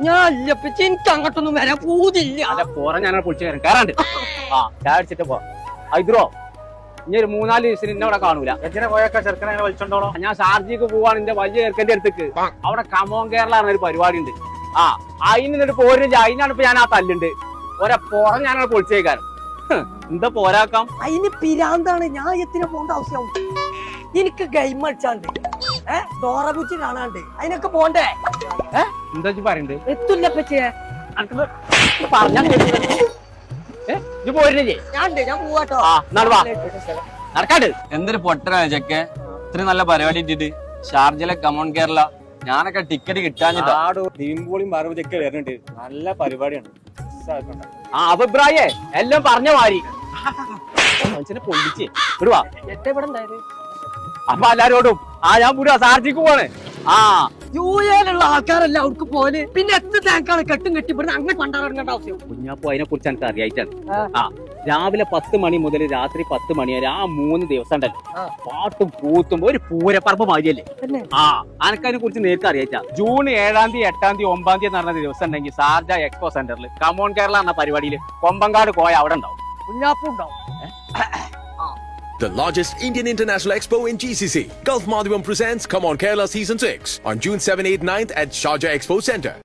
ഞാൻ എനിക്ക് അങ്ങോട്ടൊന്നും വരാൻ പൂതില്ല. അല്ല പോറ ഞാൻ പൊളിച്ചു കയറും കയറാണ്ട്. ആ ചായ അടിച്ചിട്ട് പോ. ഇദ്രോ ഇനി ഒരു 3-4 ദിവസം ഇന്നെ അവിടെ കാണൂല. എങ്ങനെ പോയൊക്കെ ചെറുക്കനെ വലിച്ചോണ്ടോളോ? ഞാൻ ഷാർജിക്ക് പോവാണ് എന്റെ വലിയ ചെറുക്കന്റെ അടുത്തേക്ക്. അവിടെ കമോൺ കേരള ഒരു പരിപാടി ഉണ്ട്. അതിന് പോരില്ല. അതിനാണ് ഇപ്പൊ ഞാൻ ആ തല്ലുണ്ട്. പോറ ഞാനവിടെ പൊളിച്ചേക്കാരം. എന്താ പോരാക്കാം? അതിന് പിരാന്താണ്. ഞാൻ എത്തിന് പോകേണ്ട ആവശ്യമാവും. എനിക്ക് ഗെയിം കളിച്ചാണ്ട് ഡോറബുച്ചി കാണാണ്ട് അതിനൊക്കെ പോണ്ടേ? എന്താ പറയണ്ട്? എത്തില്ല പറ്റിയേ പറഞ്ഞാ പോരില്ലേ? ഞാൻ പോവാട്ടോ. നടക്കാണ്ട്. എന്തൊരു പൊട്ടനാണ് ചെക്കെ. ഇത്രയും നല്ല പരിപാടി ഇട്ടിട്ട് ഷാർജയിലെ കമോൺ കേരള ഞാനൊക്കെ ടിക്കറ്റ് കിട്ടാഞ്ഞിട്ടാ. ദിമ്പോളിയും പാർവതിയൊക്കെ വരുന്നുണ്ട്. നല്ല പരിപാടിയാണ്. അഭിപ്രായേ എല്ലാം പറഞ്ഞ മാറി മനുഷ്യനെ പൊള്ളിച്ച് വിടുവാ. എവിടെ ഉണ്ടായത്? അപ്പൊ എല്ലാരോടും ഞാൻ പൂരാ ഷാർജിക്ക് പോവാണ്. യുള്ള ആൾക്കാരല്ല അവർക്ക് പോലെ. പിന്നെ എത്ര ടാങ്കാണ് കെട്ടും കെട്ടിപ്പെടുന്നത്? അങ്ങനെ പണ്ടാറങ്ങേണ്ട ആവശ്യം. കുഞ്ഞാപ്പോ അതിനെ കുറിച്ച് എനിക്ക് അറിയായിട്ടാണ്. രാവിലെ 10 മണി മുതൽ രാത്രി 10 മണി വരെ 3 ദിവസം ഉണ്ടല്ലോ പാട്ടും കൂത്തും ഒരു പൂരപ്പറമ്പ് മാതിരിയല്ലേ. അനക്കതിനെ കുറിച്ച് നേരത്തെ അറിയാച്ചാ. ജൂൺ 7-ാം തീയതി 8-ാം തീയതി 9-ാം തീയതി നടന്ന ദിവസം ഉണ്ടെങ്കിൽ ഷാർജ എക്സ്പോ സെന്ററിൽ കമോൺ കേരള എന്ന പരിപാടിയിൽ കൊമ്പങ്കാട് കോയ അവിടെ ഉണ്ടാവും. കുഞ്ഞാപ്പും ഉണ്ടാവും. The largest Indian International Expo in GCC. Gulf Madhivam presents Come On Kerala Season 6 on June 7, 8, 9th at Sharjah Expo Center.